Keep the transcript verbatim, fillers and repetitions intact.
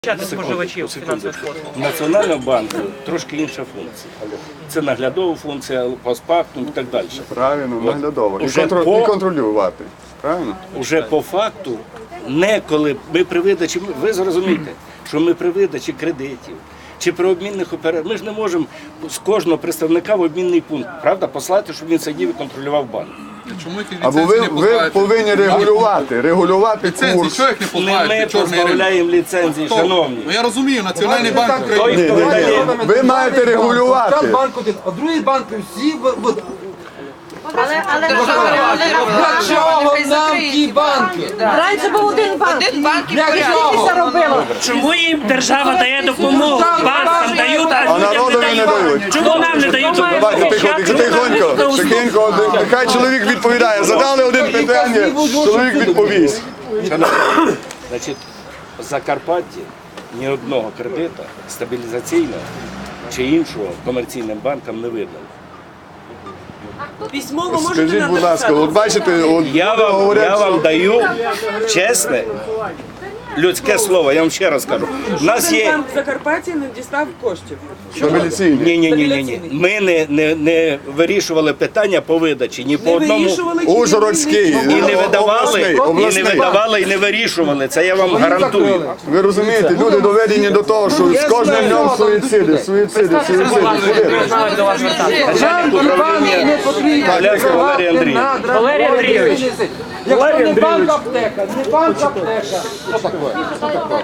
Споживачів фінансових послуг. Національного банку трошки інша функція. Це наглядова функція, постпактум і так далі. Правильно, наглядово. І, Уже контр... по- і контролювати. Правильно? Уже по факту, не коли ми при видачі, ви зрозумієте, що ми при видачі кредитів чи при обмінних операціях, ми ж не можемо з кожного представника в обмінний пункт, правда, послати, щоб він сидів і контролював банк. Чому ті Або ви, ліцензії не ви позбавляєте? повинні регулювати, регулювати Ліцензії, курс. що їх не Не позбавляєте? ми Чорний ринок? позбавляємо ліцензії, Хто? шановні. Ну я розумію, Національний банк Ні, України. ні, ні. Ви маєте регулювати. Там банк один, а другий банк всі в- в- Але, але для чого нам ті банки? раніше був один банк. Один банк і Для порядок. чого? Це робило. Чому їм держава дає допомогу? Банкам дають, а А людям народові не не дають. дають. Чому нам не дають? Давайте тихо, тихо, тихонько, тихенько, нехай чоловік відповідає. Задали один питання, чоловік відповість. Значить, в Закарпатті ні одного кредита стабілізаційного чи іншого комерційним банкам не видали. Письмово Скажіть, будь ласка, от бачите, от Я вам, я говорять, вам даю чесне людське слово, я вам ще раз кажу. У нас є. Банк в Закарпатті не дістав коштів. стабіляційні. Ні, ні, ні, ні, ні. Ми не, не, не вирішували питання по видачі ні по Не одному. вирішували чи Ужгородський, І не видавали, обласний, і не обласний. видавали, і не вирішували. Це я вам гарантую. Ви розумієте, люди доведені до того, що з кожним днем суїциди, суїциди, суїциди. Начальник управління Полянський Валерій Андрійович. Валерій Андрійович. Якщо не банк аптека, не банк аптека. Що таке?